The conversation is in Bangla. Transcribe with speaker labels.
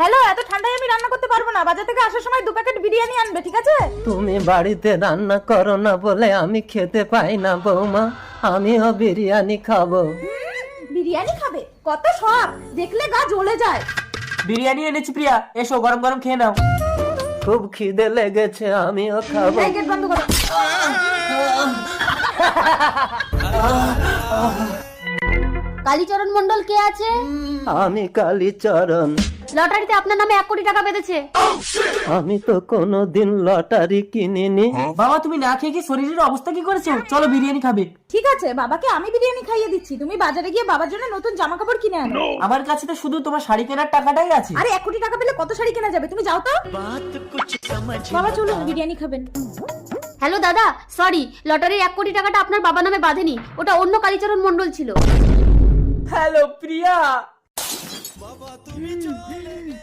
Speaker 1: হ্যালো, এত ঠান্ডায় আমি রান্না করতে পারবো না। বাজার থেকে আসার সময় 2 প্যাকেট বিরিয়ানি আনবে, ঠিক আছে?
Speaker 2: তুমি বাড়িতে রান্না করো না বলে আমি খেতে পাই না বৌমা, আমিও বিরিয়ানি খাবো।
Speaker 1: বিরিয়ানি খাবে? কত শখ, দেখলে গা জ্বলে যায়।
Speaker 3: বিরিয়ানি এনেছি প্রিয়া, এসো গরম গরম খেয়ে নাও।
Speaker 2: খুব খিদে লেগেছে, আমিও খাবো।
Speaker 1: এই গেট বন্ধ করো।
Speaker 4: কালীচরণ মন্ডল কে আছে?
Speaker 2: আমি কালীচরণ।
Speaker 4: লটারিতে আপনার নামে 1 কোটি টাকা বেঁধেছে।
Speaker 2: আমি তো কোনোদিন লটারি কিনিনি।
Speaker 3: বাবা তুমি না খেয়ে কি শরীরের অবস্থা কি করেছো? চলো বিরিয়ানি খাবে।
Speaker 1: ঠিক আছে, বাবাকে আমি বিরিয়ানি খাইয়ে দিচ্ছি। তুমি বাজারে গিয়ে বাবার জন্য নতুন জামা কাপড় কিনে আনো।
Speaker 3: আমার কাছে তো শুধু তোমার শাড়ি কেনার টাকাটাই আছে।
Speaker 1: আরে 1 কোটি টাকা পেলে কত শাড়ি কেনা যাবে? তুমি যাও তো। বাবা চলুন, বিরিয়ানি খাবেন।
Speaker 4: হ্যালো দাদা, সরি, লটারির 1 কোটি টাকাটা আপনার বাবা নামে বাঁধেনি, ওটা অন্য কালীচরণ মন্ডল ছিল।
Speaker 3: হ্যালো প্রিয়া।